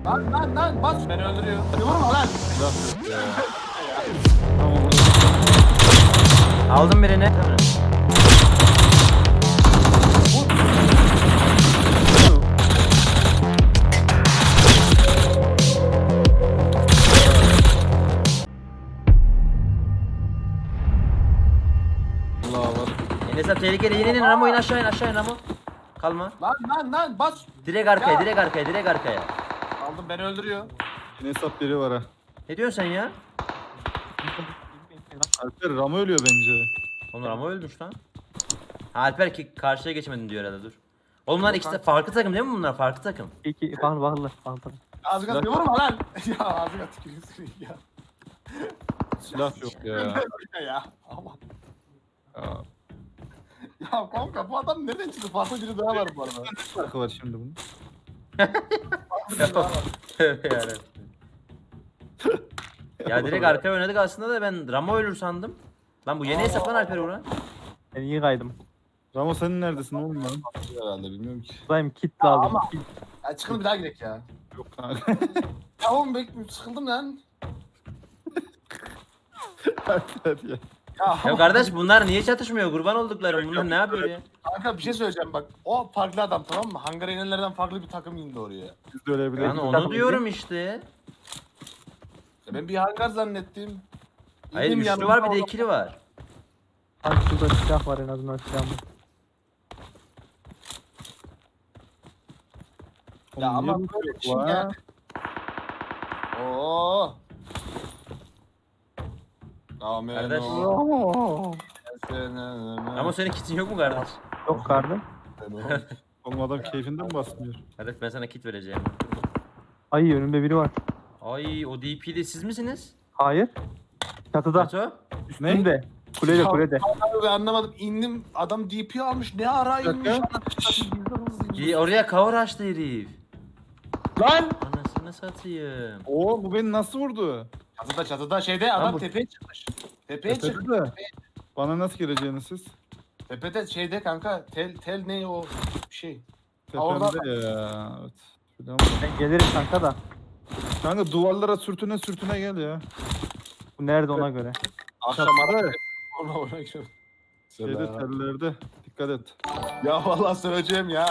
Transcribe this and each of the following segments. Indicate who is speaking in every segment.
Speaker 1: Lan bas. Beni öldürüyor. Hadi vurma lan.
Speaker 2: Aldım birini.
Speaker 3: Allah var.
Speaker 2: Enes abi tehlikeli. İn Ramo, in aşağı, in aşağı, in Ramo. Kalma.
Speaker 1: Lan bas.
Speaker 2: Direkt arkaya,
Speaker 1: Ya.
Speaker 2: direkt arkaya, direkt arkaya.
Speaker 1: Aldım beni öldürüyor.
Speaker 3: Yine hesap biri var ha.
Speaker 2: Ne diyorsun sen ya?
Speaker 3: Alper Ramo ölüyor bence.
Speaker 2: Oğlum Ramo ölmüş lan. Ha, Alper ki karşıya geçemedin diyor herhalde, dur. Oğlum bunlar ikisi de farklı takım değil mi bunlar? Farklı takım.
Speaker 4: İki bağlı.
Speaker 1: Ağzına vurma lan. Ya ağzına tükürüyorsun ya.
Speaker 3: Silah yok ya.
Speaker 1: Ya aman.
Speaker 3: Ya.
Speaker 1: Ya kanka bu adam nereden çıktı? Farklı biri daha var bu arada.
Speaker 3: Ne farkı var şimdi bunun?
Speaker 2: Tövbe yarabbim. Ya direkt arkaya oynadık aslında da ben Ramo ölür sandım. Lan bu yeni hesap lan Alper Uğran.
Speaker 4: Ben iyi kaydım.
Speaker 3: Ramo senin neredesin oğlum lan?
Speaker 1: Herhalde bilmiyorum ki.
Speaker 4: Buradayım, kit lazım.
Speaker 1: ama-
Speaker 4: Kit.
Speaker 1: Ya çıkın bir daha gidelim ya.
Speaker 3: Yok kanka.
Speaker 1: Ya oğlum sıkıldım lan.
Speaker 3: Alper ya.
Speaker 2: Ya kardeş bunlar niye çatışmıyor? Kurban olduklarım. Bunlar ne yapıyor ya?
Speaker 1: Kanka bir şey söyleyeceğim bak. O farklı adam tamam mı? Hangara inenlerden farklı bir takım indi oraya.
Speaker 3: Biz de ölebiliriz.
Speaker 2: Yani onu diyorum işte.
Speaker 1: Ya ben bir hangar zannettim.
Speaker 2: Hayır
Speaker 1: İndim
Speaker 2: üçlü
Speaker 1: yanına,
Speaker 2: var bir de
Speaker 1: orada-
Speaker 2: ikili var.
Speaker 4: Bak şurada silah var, en azından silahım var.
Speaker 1: Ya
Speaker 3: Oğlum,
Speaker 1: ama
Speaker 3: niye
Speaker 1: böyle
Speaker 3: bu
Speaker 1: bir şey
Speaker 3: yok
Speaker 1: ya.
Speaker 3: lan?
Speaker 1: Oo. Amen.
Speaker 2: Kardeş. Ama senin kitin yok mu kardeş?
Speaker 4: Yok kardeş.
Speaker 3: Oğlum adam keyfinden mi basmıyor?
Speaker 2: Kardeş ben sana kit vereceğim.
Speaker 4: Ay önümde biri var.
Speaker 2: Ay o DP'de siz misiniz?
Speaker 4: Hayır. Çatıda.
Speaker 2: Beto?
Speaker 4: Üstünde. Kulede
Speaker 1: Ya-
Speaker 4: kulede.
Speaker 1: Abi anlamadım. İndim adam DP almış. Ne ara
Speaker 3: Bir
Speaker 1: inmiş?
Speaker 3: dakika.
Speaker 2: Oraya cover açtı herif.
Speaker 4: Lan!
Speaker 2: Anasını satayım.
Speaker 3: Oo bu beni nasıl vurdu?
Speaker 1: Çatıda şeyde adam
Speaker 2: bu-
Speaker 1: tepeye çıkmış. Tepeye çıkmış.
Speaker 3: Tepede de. Bana nasıl gireceğiniz siz?
Speaker 1: Tepede şeyde kanka tel ne o şey. orada-
Speaker 3: Tepemde ya. Evet. Şuradan-
Speaker 4: Ben gelirim kanka da.
Speaker 3: Kanka duvarlara sürtüne gel ya.
Speaker 4: Bu nerede ona göre.
Speaker 1: Akşam
Speaker 3: Çatıda.
Speaker 1: ara ona gidiyorum.
Speaker 3: Şeyde tellerde. Dikkat et.
Speaker 1: Ya vallahi söyleyeceğim ya.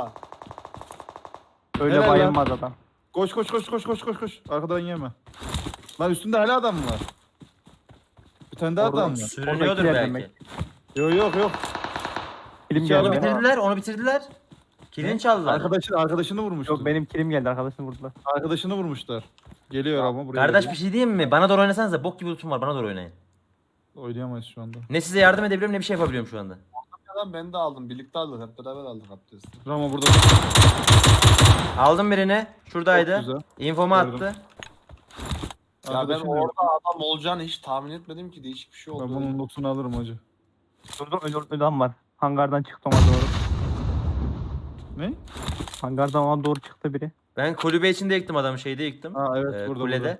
Speaker 4: Öyle
Speaker 3: Helal lan.
Speaker 4: bayılmaz adam.
Speaker 3: Koş. Arkadan yeme. Lan üstünde hala adam mı var? Bir tane daha
Speaker 4: Orada
Speaker 3: adam var.
Speaker 2: Sürünüyordur
Speaker 4: Oradakiler
Speaker 2: belki.
Speaker 4: demek.
Speaker 3: Yok.
Speaker 4: Kilim
Speaker 3: İki
Speaker 4: geldi.
Speaker 3: adam
Speaker 2: Onu
Speaker 4: benim.
Speaker 2: bitirdiler, onu bitirdiler. Kilini çaldılar.
Speaker 3: Arkadaşını vurmuşlar.
Speaker 4: Yok benim kilim geldi, arkadaşını vurdular.
Speaker 3: Arkadaşını vurmuşlar. Geliyor ama buraya.
Speaker 2: Kardeş
Speaker 3: geliyor.
Speaker 2: bir şey diyeyim mi? Bana doğru oynasanıza bok gibi lootum var, bana doğru oynayın.
Speaker 3: Oynayamayız şu anda.
Speaker 2: Ne size yardım edebiliyorum ne bir şey yapabiliyorum şu anda.
Speaker 1: Adam ben de aldım. Birlikte aldık. Hep beraber aldık abdesti.
Speaker 3: Ramo burada.
Speaker 2: Aldım birini. Şuradaydı.
Speaker 3: Çok güzel.
Speaker 2: İnfomu
Speaker 3: Gördüm.
Speaker 2: attı.
Speaker 1: Ya ben
Speaker 3: Arkadaşın
Speaker 1: orada adam olacağını hiç tahmin etmedim ki. Değişik bir şey
Speaker 3: Ben
Speaker 1: oldu.
Speaker 3: bunun lootunu alırım hacı.
Speaker 4: Şurada öyle adam var. Hangardan çıktı ona doğru.
Speaker 3: Ne?
Speaker 4: Hangardan ona doğru çıktı biri.
Speaker 2: Ben kulübe içinde yıktım adamı, şeyde yıktım.
Speaker 3: Ha evet burada.
Speaker 2: Kulede.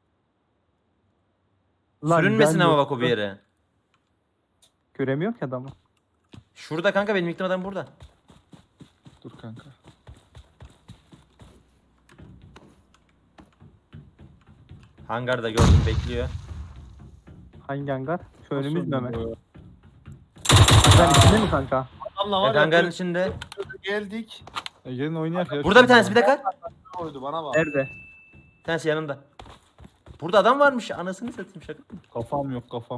Speaker 4: Lan
Speaker 2: Sürünmesin
Speaker 4: ben
Speaker 2: ama
Speaker 4: yok.
Speaker 2: bak o bir yere.
Speaker 4: Göremiyor ki adamı.
Speaker 2: Şurada kanka, benim yıktığım adam burada.
Speaker 3: Dur kanka.
Speaker 2: Hangarda gördüm, bekliyor.
Speaker 4: Hangi hangar? Şu önümüz mü
Speaker 3: Nasıl
Speaker 4: hemen?
Speaker 3: oldu
Speaker 4: Hangar içinde mi kanka?
Speaker 1: Adamla
Speaker 2: Evet,
Speaker 1: var
Speaker 2: hangarın
Speaker 1: ya.
Speaker 2: içinde.
Speaker 1: Geldik.
Speaker 3: ya? Gelin oynayak ya.
Speaker 2: Burada bir tanesi, bir dakika.
Speaker 1: Oydu bana bak.
Speaker 4: Nerede?
Speaker 2: Bir tanesi yanında. Burada adam varmış, anasını satayım, şaka mı?
Speaker 3: Kafam yok kafam.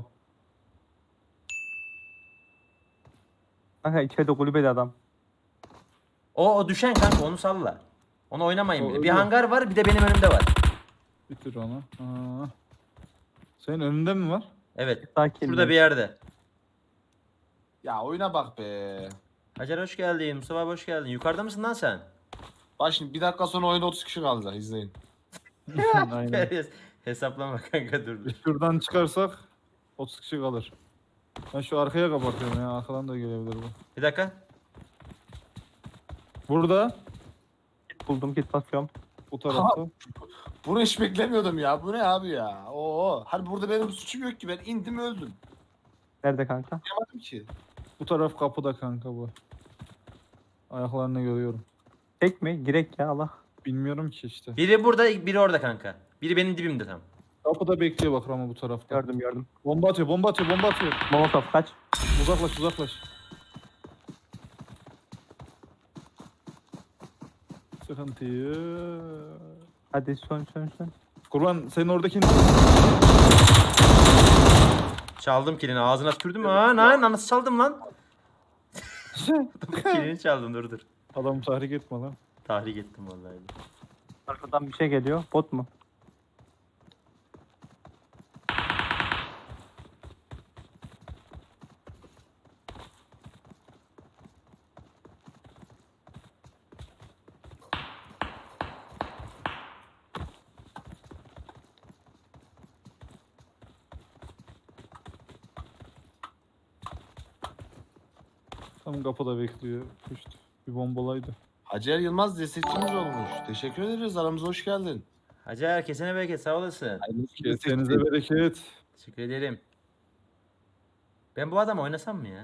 Speaker 4: Kanka içeride kulübede adam.
Speaker 2: O düşen kanka, onu salla. Onu oynamayın
Speaker 3: O
Speaker 2: bile. Bir
Speaker 3: ölüyor.
Speaker 2: hangar var, bir de benim önümde var.
Speaker 3: Bitir onu. Aa. Senin önünde mi var?
Speaker 2: Evet.
Speaker 4: Sakin.
Speaker 2: Şurada bir yerde.
Speaker 1: Ya oyuna bak be.
Speaker 2: Hacer hoş geldin. Mustafa abi hoş geldin. Yukarıda mısın lan sen?
Speaker 1: Bak şimdi bir dakika sonra oyunda 30 kişi kalacak izleyin.
Speaker 3: Aynen.
Speaker 2: Hesaplama kanka, dur.
Speaker 3: Şuradan çıkarsak 30 kişi kalır. Ben şu arkaya kapatıyorum ya. Arkadan da gelebilir bu.
Speaker 2: Bir dakika.
Speaker 3: Burada.
Speaker 4: Buldum, git basıyorum.
Speaker 3: Bu tarafta.
Speaker 1: Bunu hiç beklemiyordum ya. Bu ne abi ya? Oo. Hani burada benim suçum yok ki. Ben indim öldüm.
Speaker 4: Nerede kanka?
Speaker 1: Yapamadım ki.
Speaker 3: Bu taraf kapıda kanka bu. Ayaklarını görüyorum.
Speaker 4: Tek mi? Girek ya Allah.
Speaker 3: Bilmiyorum ki işte.
Speaker 2: Biri burada, biri orada kanka. Biri benim dibimde tam.
Speaker 3: Kapıda bekliyor bak Ramo bu tarafta.
Speaker 4: Gördüm.
Speaker 3: Bomba atıyor, bomba atıyor, bomba atıyor.
Speaker 4: Molotov kaç.
Speaker 3: Uzaklaş, uzaklaş. Sıkıntı yok.
Speaker 4: Hadi son.
Speaker 3: Kurban senin oradaki
Speaker 2: Çaldım kilini, ağzına tükürdüm. Nasıl çaldım lan? Kilini çaldım, dur.
Speaker 3: adam tahrik etme lan.
Speaker 2: Tahrik ettim vallahi.
Speaker 4: Arkadan bir şey geliyor. Bot mu?
Speaker 3: Tam kapıda bekliyor. Puşt. Bir bombalaydı.
Speaker 1: Hacer Yılmaz destekçimiz olmuş. Teşekkür ederiz. Aramıza hoş geldin.
Speaker 2: Hacer kesene bereket, sağ olasın.
Speaker 3: Kesenize bereket.
Speaker 2: Teşekkür ederim. Ben bu adamı oynasam mı ya?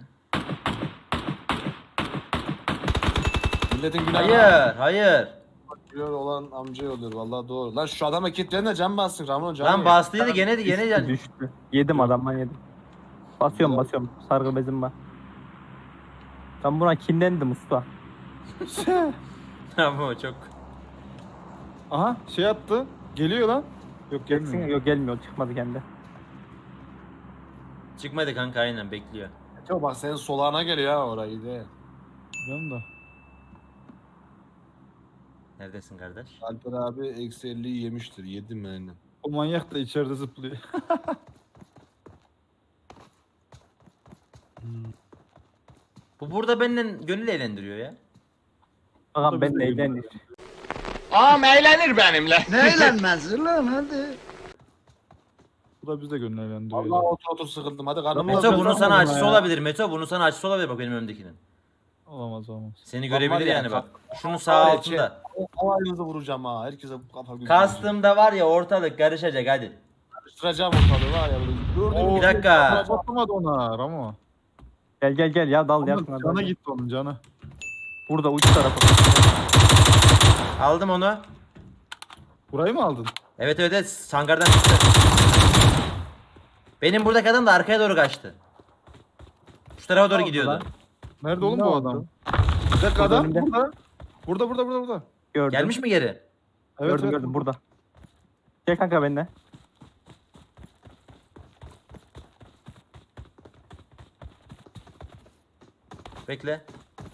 Speaker 1: Milletin günahı
Speaker 2: Hayır.
Speaker 1: olan amca oluyor. Vallahi doğru. Lan şu adama kilitlerine can bassın Ramon can.
Speaker 2: Lan bastıydı gene
Speaker 4: Düştü. Yedim adamdan yedim. Basıyorum. Sargı bezim var. Ben buna kinlendim usta.
Speaker 2: Tamam çok.
Speaker 3: Aha şey attı. Geliyor lan. Yok
Speaker 4: Gelsin.
Speaker 3: gelmiyor.
Speaker 4: Yok gelmiyor. Çıkmadı kendi.
Speaker 2: Çıkmadı kanka, aynen bekliyor.
Speaker 1: Çok bak senin solağına geliyor ha orayı de.
Speaker 3: Biliyorum da.
Speaker 2: Neredesin kardeş?
Speaker 1: Alper abi eksi 50'yi yemiştir. Yedim yani.
Speaker 3: O manyak da içeride zıplıyor.
Speaker 2: Bu burada benden gönül eğlendiriyor ya.
Speaker 4: Bakalım ben de eğlendim.
Speaker 5: Ağam eğlenir benimle.
Speaker 3: Bu da bize gönüllendiriyor.
Speaker 1: Allah otur sıkıldım. Hadi karnım
Speaker 2: Meto
Speaker 3: Tamam,
Speaker 2: bunun
Speaker 3: tamam
Speaker 2: sana
Speaker 3: ya.
Speaker 2: acısı olabilir. Meto bunun sana acısı olabilir bak benim önümdekinin.
Speaker 3: Olamaz.
Speaker 2: Seni
Speaker 1: Bak var
Speaker 2: görebilir
Speaker 1: ya,
Speaker 2: yani bak. Şunun
Speaker 1: var
Speaker 2: sağ
Speaker 1: ya,
Speaker 2: altında.
Speaker 1: Havayınızı vuracağım ha. Herkese kafa gözü.
Speaker 2: Kastımda var ya, ortalık karışacak hadi.
Speaker 1: Karıştıracağım ortalığı var ya. Gördün mü?
Speaker 2: Bir dakika.
Speaker 3: Atamadı ona Ramo.
Speaker 4: Gel ya dal ya.
Speaker 3: Onun canı gitti onun canı.
Speaker 4: Burada uç tarafı.
Speaker 2: Aldım onu.
Speaker 3: Burayı mı aldın?
Speaker 2: Evet sangardan çıktı. Benim buradaki adam da arkaya doğru kaçtı. Şu tarafa doğru
Speaker 4: oldu
Speaker 2: gidiyordu.
Speaker 4: lan?
Speaker 3: Nerede oğlum
Speaker 4: Ne
Speaker 3: bu
Speaker 4: oldu?
Speaker 3: adam? Bir dakika
Speaker 4: Burada
Speaker 3: adam
Speaker 4: önümde.
Speaker 3: burada. Burada.
Speaker 4: Gördüm.
Speaker 2: Gelmiş mi geri?
Speaker 3: Evet,
Speaker 4: Gördüm burada. Gel kanka benimle.
Speaker 2: Bekle.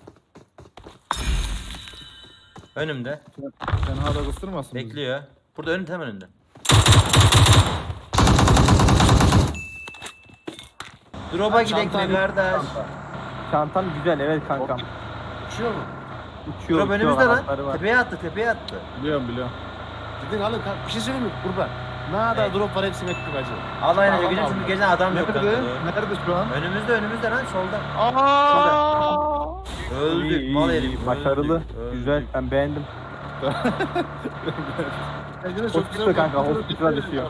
Speaker 2: Önümde.
Speaker 3: Sen hala kıstırmasın bizi.
Speaker 2: Bekliyor. Burada önümde, hemen önünde. Drop'a gidek mi kardeş?
Speaker 4: Çantam güzel evet kankam.
Speaker 1: Uçuyor mu?
Speaker 4: Uçuyor.
Speaker 2: Drop önümüzde lan.
Speaker 4: anahtarı var.
Speaker 2: Tepeye attı.
Speaker 3: Biliyorum.
Speaker 1: Gidin alın. Bir şey söyleyeyim mi? Kurban. Ne kadar drop var hepsini ettik acı.
Speaker 2: Allah'ın
Speaker 1: Tamam,
Speaker 2: gece
Speaker 1: tamam.
Speaker 2: çünkü gece adam yok kanka.
Speaker 3: Nerede? Nerede şu an?
Speaker 2: Önümüzde lan solda.
Speaker 3: Aaa!
Speaker 2: Öldük
Speaker 4: İyi,
Speaker 2: mal
Speaker 4: iyi,
Speaker 2: herif.
Speaker 4: başarılı.
Speaker 2: öldük.
Speaker 4: Güzel ben beğendim.
Speaker 1: Bence de
Speaker 4: Hospital kanka, hospital'a düşüyor.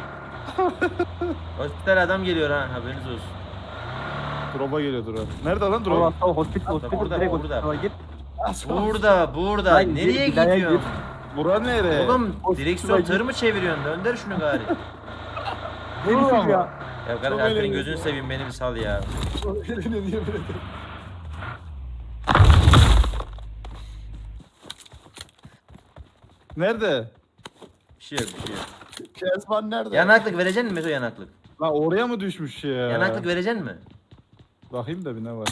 Speaker 2: Hospital adam geliyor ha, haberiniz olsun.
Speaker 3: Drop'a geliyor drop. Nerede lan
Speaker 4: Tamam
Speaker 3: drop?
Speaker 4: tamam hospital
Speaker 2: Burada,
Speaker 4: direkt
Speaker 2: burada.
Speaker 4: hospital'a git.
Speaker 2: Burada.
Speaker 4: Lan,
Speaker 2: Nereye
Speaker 4: bir daha
Speaker 2: gidiyorsun?
Speaker 4: git.
Speaker 3: Bura nere?
Speaker 2: Oğlum
Speaker 4: Hospital'a
Speaker 2: direksiyon
Speaker 4: git.
Speaker 2: tır mı çeviriyorsun? Dönder şunu gari.
Speaker 3: Vurma
Speaker 4: Herif
Speaker 3: ama.
Speaker 4: ya.
Speaker 2: Ya kardeş Alper'in gözünü seveyim, beni bir sal ya.
Speaker 3: Nerede?
Speaker 2: Bir şey yok.
Speaker 1: Kezban nerede?
Speaker 2: Yanaklık vereceksin mi Meto, yanaklık?
Speaker 3: Lan oraya mı düşmüş ya?
Speaker 2: Yanaklık vereceksin mi?
Speaker 3: Bakayım da bir ne var.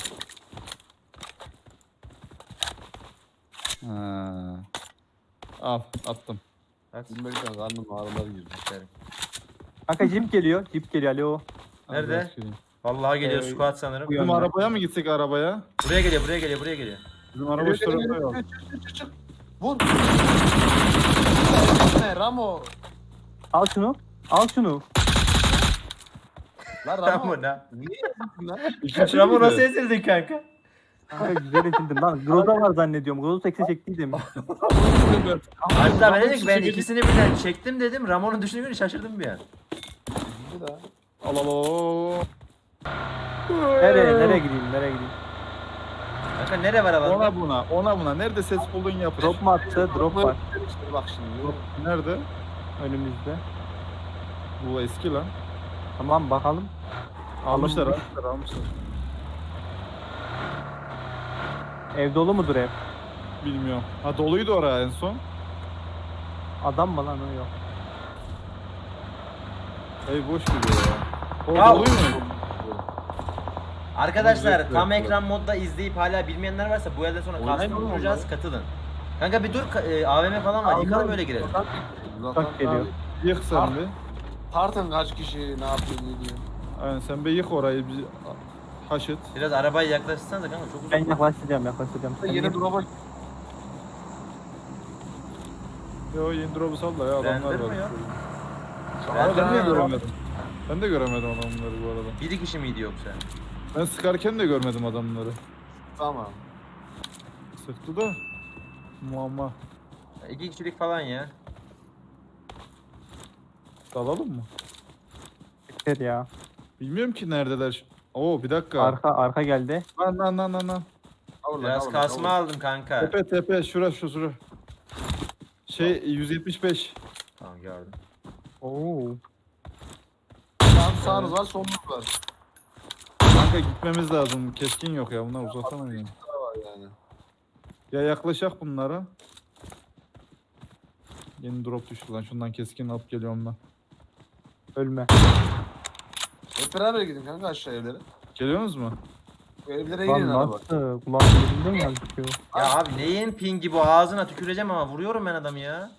Speaker 3: Ha. Al attım.
Speaker 2: At.
Speaker 1: Bilmekten karnım ağrılar girdi.
Speaker 4: Kanka jip geliyor. Alo.
Speaker 3: Al,
Speaker 2: Nerede?
Speaker 3: biraz geleyim.
Speaker 2: Vallahi geliyor
Speaker 4: Ee,
Speaker 2: squat sanırım.
Speaker 4: bu
Speaker 3: Bizim
Speaker 4: yönde.
Speaker 3: arabaya mı gitsek arabaya?
Speaker 2: Buraya geliyor.
Speaker 3: Bizim araba şu tarafta yok.
Speaker 1: Çık. Vur. Ne Ramo?
Speaker 4: Al şunu.
Speaker 1: Lan Ramo.
Speaker 2: Tamam lan.
Speaker 1: Niye yapıyorsun lan?
Speaker 3: İkinci
Speaker 2: Ramo
Speaker 3: miydi?
Speaker 2: nasıl ezildin kanka?
Speaker 4: Kanka güzel etildin lan. Groza var zannediyorum. Groza seksi çektiydim.
Speaker 2: Hatta ben dedim ki ben ikisini birden çektim dedim. Ramon'un düşündüğünü görünce şaşırdım bir an.
Speaker 1: Bir daha.
Speaker 3: Al.
Speaker 4: Nereye gideyim?
Speaker 2: Kanka nere var alanda?
Speaker 3: Ona buna. Nerede ses buldun yapış.
Speaker 4: Drop mu attı? Drop var
Speaker 1: Bak şimdi.
Speaker 3: Nerede?
Speaker 4: önümüzde.
Speaker 3: Bu eski lan.
Speaker 4: Tamam bakalım.
Speaker 3: Almışlar
Speaker 4: Alın.
Speaker 3: almışlar.
Speaker 4: Ev dolu mudur ev?
Speaker 3: Bilmiyorum. Ha doluydu oraya en son.
Speaker 4: Adam mı lan o yok.
Speaker 3: Ev boş gibi ya. O
Speaker 2: Ya-
Speaker 3: doluyu mu?
Speaker 2: Arkadaşlar
Speaker 3: Onu
Speaker 2: tam
Speaker 3: bekliyorum.
Speaker 2: ekran modda izleyip hala bilmeyenler varsa bu elden sonra
Speaker 1: Oynayın
Speaker 2: kastım
Speaker 1: oğlum
Speaker 2: kuracağız,
Speaker 1: onları.
Speaker 2: katılın. Kanka bir dur AVM falan var. Yıkalım öyle girelim.
Speaker 4: Uçak geliyor.
Speaker 3: Yık sen bir.
Speaker 1: Tartın kaç kişi ne yapıyor ne diyor.
Speaker 3: Aynen sen bir yık orayı bir haşet.
Speaker 2: Biraz arabayı yaklaştırsanız kanka çok
Speaker 4: Ben
Speaker 2: uzak.
Speaker 4: yaklaşacağım. Sen
Speaker 1: Yeni
Speaker 4: git.
Speaker 1: drop'a
Speaker 3: Yo yeni drop'u salla ya adamlar var.
Speaker 2: Rendirmiyor.
Speaker 3: Aa, ben de
Speaker 2: Aa,
Speaker 3: göremedim. Ben de göremedim adamları bu arada.
Speaker 2: Bir kişi miydi yoksa?
Speaker 3: Ben sıkarken de görmedim adamları.
Speaker 1: tamam.
Speaker 3: Sıktı da. Muamma.
Speaker 2: 2 kişilik falan ya.
Speaker 3: Dalalım mı?
Speaker 4: Yeter ya.
Speaker 3: Bilmiyorum ki neredeler. Oo bir dakika.
Speaker 4: Arka geldi.
Speaker 3: Lan.
Speaker 2: Biraz kasma aldım kanka.
Speaker 3: Tepe şura. Şey 175.
Speaker 2: Tamam gördüm.
Speaker 4: Oo.
Speaker 1: Sağınız var solunuz var.
Speaker 3: Kanka gitmemiz lazım. Keskin yok ya bunlar uzatamayız.
Speaker 1: Var yani.
Speaker 3: Ya yaklaşak bunlara. Yeni drop düştü lan. Şundan keskin alıp geliyorum ben.
Speaker 4: Ölme.
Speaker 1: Hep beraber gidin kanka aşağı evlere.
Speaker 3: Geliyorsunuz mu?
Speaker 1: Bu evlere gidin
Speaker 4: Lan
Speaker 1: araba.
Speaker 4: nasıl? Kulağım yerinde mi gözüküyor?
Speaker 2: Ya abi neyin pingi bu, ağzına tüküreceğim ama vuruyorum ben adamı ya.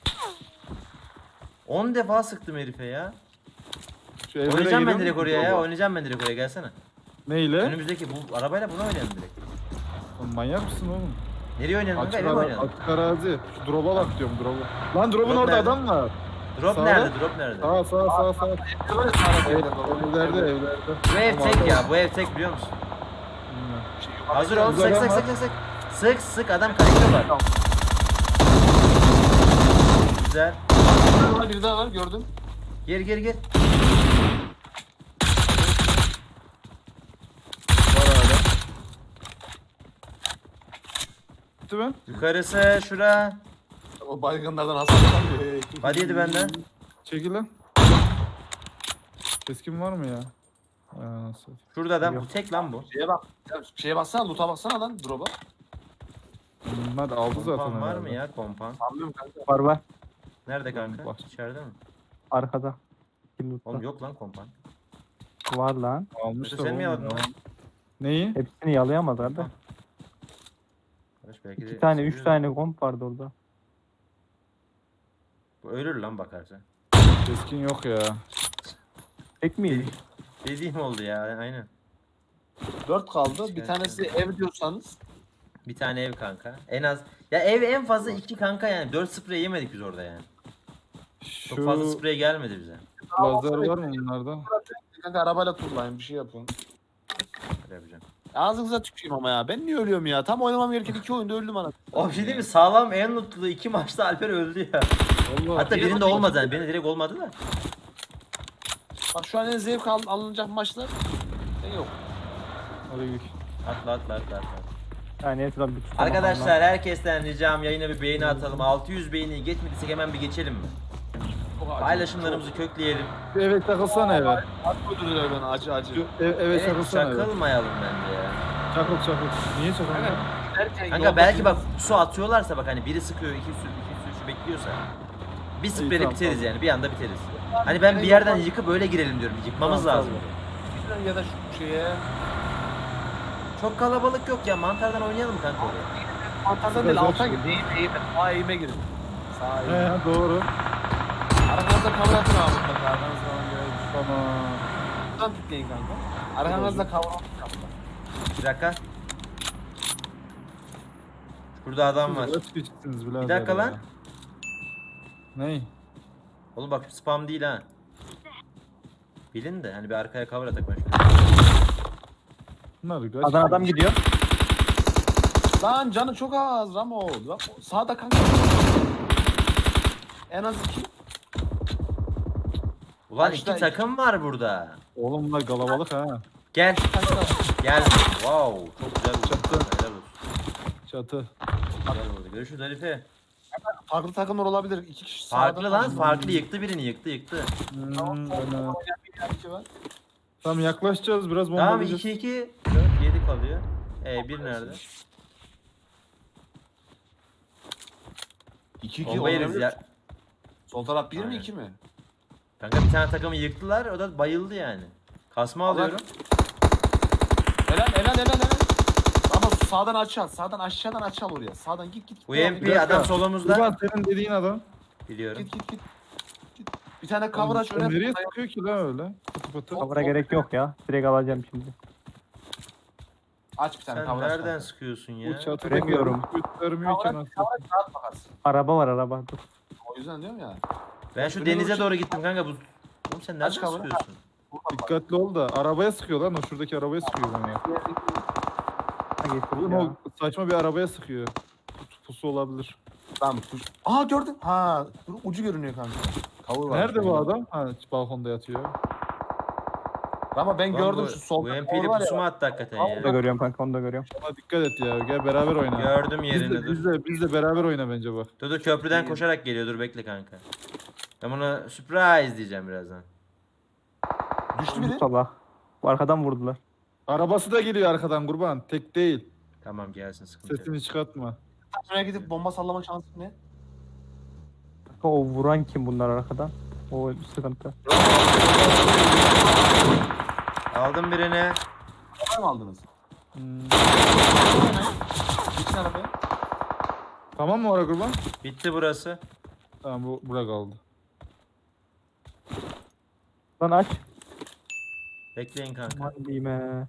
Speaker 2: 10 defa sıktım herife ya.
Speaker 3: Şu evlere
Speaker 2: Oynayacağım ben
Speaker 3: giriyor
Speaker 2: direkt
Speaker 3: musun
Speaker 2: oraya ya.
Speaker 3: drop'a?
Speaker 2: Oynayacağım ben direkt oraya, gelsene.
Speaker 3: Neyle?
Speaker 2: Önümüzdeki bu arabayla bunu oynayalım direkt.
Speaker 3: Lan manyak mısın oğlum?
Speaker 2: Nereye oynayalım kanka?
Speaker 3: Açık,
Speaker 2: Eve mi oynayalım?
Speaker 3: açık arazi. Şu drop'a bak diyorum drop'a. Lan drop'un
Speaker 2: Drop
Speaker 3: orada
Speaker 2: nerede?
Speaker 3: adam var.
Speaker 2: Drop
Speaker 3: Sağda.
Speaker 2: nerede? Drop nerede?
Speaker 3: Sağ.
Speaker 1: Evlere var ya sağda
Speaker 3: Evlerde.
Speaker 2: Bu ev
Speaker 3: Tamam,
Speaker 2: tek ya.
Speaker 3: tamam.
Speaker 2: Bu ev tek biliyor musun?
Speaker 3: Bilmiyorum.
Speaker 2: Hazır ol.
Speaker 3: Güzel
Speaker 2: Sık
Speaker 3: ama.
Speaker 2: sık adam kaçıyorlar. Güzel.
Speaker 1: Bir daha var gördüm.
Speaker 2: Gir.
Speaker 3: Var hala. Gitti mi?
Speaker 2: Yukarısı şura.
Speaker 1: O baygınlardan hasar alıyor.
Speaker 2: Hadi yedi benden.
Speaker 3: Çekil lan. Keskin var mı ya? Nasıl?
Speaker 2: Şurada adam. Bu tek lan bu.
Speaker 1: Şeye bak. Ya şeye baksana loot'a baksana lan drop'a.
Speaker 3: Bunlar aldı zaten.
Speaker 2: Kompan var
Speaker 3: herhalde.
Speaker 2: mı ya kompan?
Speaker 1: Anlıyorum kanka.
Speaker 4: Var.
Speaker 2: Nerede kanka?
Speaker 3: Bak.
Speaker 2: İçeride mi?
Speaker 4: Arkada. Kim
Speaker 2: Oğlum
Speaker 4: lootta?
Speaker 2: yok lan kompan.
Speaker 4: Var lan.
Speaker 3: Almışlar
Speaker 2: Sen mi
Speaker 3: oğlum
Speaker 2: yaladın
Speaker 3: ya.
Speaker 2: lan?
Speaker 3: Neyi?
Speaker 4: Hepsini yalayamadılar da.
Speaker 2: Arkadaş belki de
Speaker 4: 2 tane 3
Speaker 2: seviyoruz.
Speaker 4: tane komp vardı orada.
Speaker 2: Bu ölür lan bakarsa.
Speaker 3: Keskin yok ya.
Speaker 4: Tek miydi?
Speaker 2: Dediğim oldu ya aynen.
Speaker 1: 4 kaldı. Bir
Speaker 2: Evet,
Speaker 1: tanesi ev diyorsanız.
Speaker 2: Bir tane ev kanka. En az. Ya ev en fazla 2 kanka yani. 4 sprey yemedik biz orada yani. Çok
Speaker 3: Şu
Speaker 2: fazla sprey gelmedi bize.
Speaker 3: lazer var mı bunlarda?
Speaker 1: Kanka arabayla turlayın bir şey yapın.
Speaker 2: Öyle yapacağım.
Speaker 1: Ağzınıza tüküreyim ama ya. Ben niye ölüyorum ya? Tam oynamam gereken 2 oyunda öldüm ana.
Speaker 2: O bir şey değil mi? Sağlam en mutlu 2 maçta Alper öldü ya.
Speaker 3: Vallahi.
Speaker 2: Hatta birinde olmadı yani. Birinde direkt olmadı da.
Speaker 1: Bak şu an en zevk alınacak maçlar. Ne yok.
Speaker 3: Hadi gidelim.
Speaker 2: Atla.
Speaker 4: Yani etrafı bir tutamam
Speaker 2: Arkadaşlar herkesten ricam yayına bir beğeni atalım. 600 beğeni geçmediysek hemen bir geçelim mi? Paylaşımlarımızı kökleyelim.
Speaker 3: Bir eve takılsana eve.
Speaker 1: Acı öldürüyor beni acı.
Speaker 3: Şu eve
Speaker 2: Evet
Speaker 3: çakılsana eve.
Speaker 2: çakılmayalım bence ya.
Speaker 3: Çakıl. Niye çakılmıyor?
Speaker 1: Derken
Speaker 2: Kanka belki bak su atıyorlarsa bak hani biri sıkıyor iki su bekliyorsa. Bir spreyle
Speaker 3: tamam,
Speaker 2: biteriz
Speaker 3: tamam.
Speaker 2: yani bir anda biteriz. Hani ben bir yerden yıkıp öyle girelim diyorum. Yıkmamız
Speaker 3: Tamam,
Speaker 2: lazım.
Speaker 3: tamam.
Speaker 1: ya da şu şeye.
Speaker 2: Çok kalabalık yok ya, mantardan oynayalım mı kanka oraya?
Speaker 1: Mantardan değil alta gir. Eğime. Sağ eğime girin. Sağ eğime.
Speaker 3: He doğru.
Speaker 1: Arkanızda kavra atın abi mutlaka. Arkanızda
Speaker 3: Tamam.
Speaker 1: buradan tıklayın kanka. Arkanızda kavra atın.
Speaker 2: Bir dakika. Şurada adam var.
Speaker 3: Kaç kişisiniz birader
Speaker 2: Bir dakika
Speaker 3: ya?
Speaker 2: lan.
Speaker 3: Ney?
Speaker 2: Oğlum bak spam değil ha. Bilin de hani bir arkaya cover atak ben şöyle.
Speaker 3: Bunlar kaç?
Speaker 4: Adam gidiyor.
Speaker 1: Lan canı çok az Ramo. Bak, sağda kanka. En az 2.
Speaker 2: Ulan
Speaker 1: Başta
Speaker 2: iki takım var burada.
Speaker 3: Oğlum bunlar kalabalık ha.
Speaker 2: Gel.
Speaker 1: Kanka.
Speaker 2: Gel. Wow. Çok güzel vurdun.
Speaker 3: Çaktı.
Speaker 2: Helal olsun.
Speaker 3: Çatı.
Speaker 2: Güzel oldu. Görüşürüz Halife.
Speaker 1: Farklı takımlar olabilir. 2 kişi
Speaker 2: Farklı
Speaker 1: sağdan
Speaker 2: lan
Speaker 1: karşıdan.
Speaker 2: farklı yıktı birini yıktı.
Speaker 1: Tamam.
Speaker 3: Aynen.
Speaker 1: Bir var.
Speaker 3: Tamam yaklaşacağız biraz
Speaker 2: Tamam
Speaker 3: bombalayacağız.
Speaker 2: 2-2 4 7 kalıyor. Bir nerede?
Speaker 1: 2-2
Speaker 2: Bomba yeriz
Speaker 1: olabilir.
Speaker 2: ya.
Speaker 1: Sol taraf 1 mi
Speaker 2: Aynen.
Speaker 1: 2 mi?
Speaker 2: Kanka bir tane takımı yıktılar o da bayıldı yani. Kasma alıyorum.
Speaker 1: Helal. Ama sağdan aşağı, sağdan aşağıdan aşağı oraya. Sağdan git.
Speaker 2: UMP
Speaker 3: dakika.
Speaker 2: adam solumuzda.
Speaker 3: Kurban senin dediğin adam.
Speaker 2: Biliyorum.
Speaker 1: Git. Bir tane cover aç öne.
Speaker 3: Nereye sıkıyor ki lan öyle? Pıtı pıtı.
Speaker 4: Kavura gerek yok ya. Direkt alacağım şimdi.
Speaker 1: Aç bir tane
Speaker 2: Sen
Speaker 1: cover aç.
Speaker 2: nereden sıkıyorsun ya?
Speaker 3: Bu çatıda
Speaker 4: Göremiyorum.
Speaker 3: göstermiyor ki nasıl.
Speaker 1: Cover aç rahat bakarsın.
Speaker 4: Araba var araba. Dur.
Speaker 1: O yüzden diyorum ya.
Speaker 2: Ben şu
Speaker 1: Önüne
Speaker 2: denize
Speaker 1: doğru
Speaker 2: doğru gittim kanka bu. Oğlum sen nereden
Speaker 1: Aç kavunu.
Speaker 2: sıkıyorsun?
Speaker 3: Dikkatli ol da arabaya sıkıyor lan o şuradaki arabaya sıkıyor bana.
Speaker 4: Ha, getir
Speaker 3: Oğlum
Speaker 4: ya.
Speaker 3: o saçma bir arabaya sıkıyor. Pusu olabilir.
Speaker 1: Tamam. Aha gördüm. Ha, dur, ucu görünüyor kanka. Cover var.
Speaker 3: Nerede bu adam? Ha balkonda yatıyor.
Speaker 1: Ama ben
Speaker 2: Lan
Speaker 1: gördüm
Speaker 2: bu
Speaker 1: şu sol.
Speaker 2: UMP'li
Speaker 1: var ya.
Speaker 2: pusu mu attı hakikaten
Speaker 4: Onu da
Speaker 2: ya?
Speaker 4: görüyorum kanka onu da görüyorum.
Speaker 3: Ama dikkat et ya. Gel beraber oyna.
Speaker 2: Gördüm
Speaker 3: Biz
Speaker 2: yerini
Speaker 3: de,
Speaker 2: dur.
Speaker 3: biz de beraber oyna bence bak.
Speaker 2: Dur köprüden koşarak geliyor dur bekle kanka. Ben ona surprise diyeceğim birazdan.
Speaker 1: Düştü biri.
Speaker 4: Sabah. Bu arkadan vurdular.
Speaker 3: Arabası da geliyor arkadan kurban. Tek değil.
Speaker 2: Tamam gelsin sıkıntı yok.
Speaker 3: Sesini çıkartma.
Speaker 1: Şuraya gidip bomba sallama şansı ne?
Speaker 4: Kanka o vuran kim bunlar arkadan? O sıkıntı.
Speaker 2: Aldım birini.
Speaker 1: Var mı aldınız?
Speaker 3: Hmm.
Speaker 1: Geçin arabaya.
Speaker 3: Tamam mı oraya kurban?
Speaker 2: Bitti burası.
Speaker 3: Tamam bu bura kaldı.
Speaker 4: Lan aç.
Speaker 2: Bekleyin kanka.
Speaker 4: Aman diyeyim he.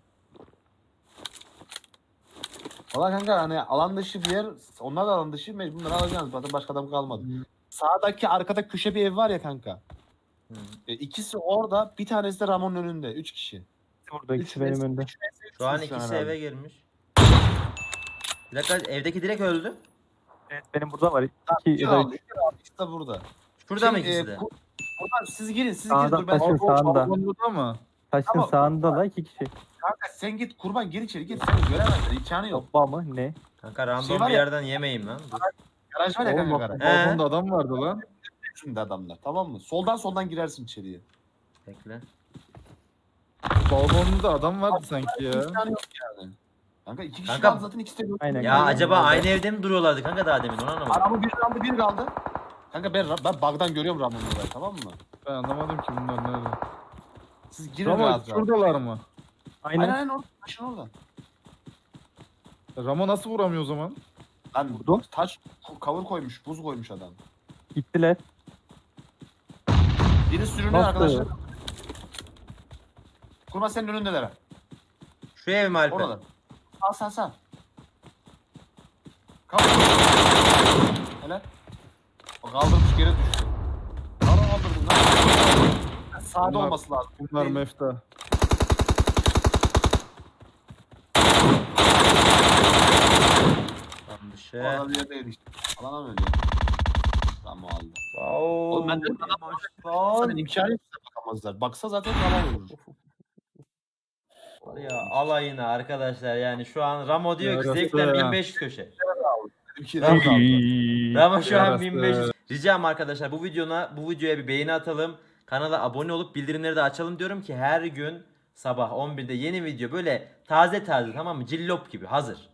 Speaker 1: Valla kanka hani alan dışı bir yer, onlar da alan dışı mecbur bunları alacaksınız. Zaten başka adam kalmadı. Sağdaki arkada köşe bir ev var ya kanka.
Speaker 2: Hı.
Speaker 1: İkisi orada, bir tanesi de Ramon'un önünde. 3 kişi.
Speaker 4: Burada ikisi benim önümde.
Speaker 2: Şu an ikisi eve girmiş. Bir dakika evdeki direkt öldü.
Speaker 4: Evet benim burada var.
Speaker 1: İki
Speaker 4: 2 ya da
Speaker 1: aldı,
Speaker 4: 3.
Speaker 1: iki aldı. İkisi de burada.
Speaker 2: Şurada mı
Speaker 1: Şimdi,
Speaker 2: ikisi de?
Speaker 1: Buradan siz girin, siz
Speaker 4: Sağda,
Speaker 1: girin. Dur ben
Speaker 4: taşın sağında.
Speaker 3: Balkonda mı?
Speaker 4: Taşın
Speaker 1: Ama-
Speaker 4: sağında da 2 kişi.
Speaker 1: kanka sen git kurban gir içeri git. Seni göremezler. İmkanı yok.
Speaker 4: Bomba mı? Ne?
Speaker 2: Kanka random
Speaker 1: Şey var
Speaker 2: bir
Speaker 1: ya-
Speaker 2: yerden yemeyeyim lan. Dur.
Speaker 1: Garaj var ya
Speaker 3: Oğlum
Speaker 1: kanka
Speaker 3: bak
Speaker 1: garaj.
Speaker 3: balkonda adam vardı lan.
Speaker 1: Şimdi adamlar tamam mı? Soldan girersin içeriye.
Speaker 2: Bekle.
Speaker 3: Balkonda adam vardı sanki ya.
Speaker 1: İmkanı yok yani. Kanka 2 kişi
Speaker 2: Kanka-
Speaker 1: kaldı zaten ikisi de yok.
Speaker 4: Aynen.
Speaker 2: Ya acaba aynı evde mi duruyorlardı kanka daha demin onu anlamadım.
Speaker 1: Araba bir kaldı bir kaldı. Kanka ben bug'dan görüyorum Ramon'u burayı tamam mı?
Speaker 3: Ben anlamadım ki bunlar nerede.
Speaker 1: Siz girin
Speaker 3: Ramo
Speaker 1: rahat rahat.
Speaker 3: şuradalar mı?
Speaker 4: Aynen.
Speaker 1: Aynen orada. Taşın orada.
Speaker 3: Ramo nasıl vuramıyor o zaman?
Speaker 1: Lan
Speaker 4: Vurdu.
Speaker 1: taş cover koymuş, buz koymuş adam.
Speaker 4: Gittiler.
Speaker 1: Biri sürünüyor
Speaker 4: Nasıl?
Speaker 1: arkadaşlar. Kurban senin önündeler ha.
Speaker 2: Şu ev mi Alper?
Speaker 1: Orada. Sağ. Kaldır. Helal. O kaldırmış geri düştü. Kaldırdın lan. Sağda
Speaker 3: Bunlar-
Speaker 1: olması lazım.
Speaker 3: Bunlar
Speaker 1: Değil.
Speaker 3: mefta.
Speaker 2: Tam dışı.
Speaker 1: Orada bir yerdeydi işte. Alana mı ölüyor? Tamam aldı.
Speaker 2: Oğlum
Speaker 1: ben de- Zaten imkanı yok size bakamazlar. Baksa zaten alan olur.
Speaker 2: Var ya alayına arkadaşlar yani şu an Ramo diyor ki
Speaker 3: Yarası
Speaker 2: zevkten
Speaker 3: ya.
Speaker 2: 1500 köşe.
Speaker 1: Benimki
Speaker 2: Tamam.
Speaker 1: de aldı.
Speaker 2: Ramo şu an
Speaker 3: Yarası.
Speaker 2: 1500. Ricam arkadaşlar bu videoya bir beğeni atalım. Kanala abone olup bildirimleri de açalım diyorum ki her gün sabah 11'de yeni video böyle taze tamam mı? Cillop gibi hazır.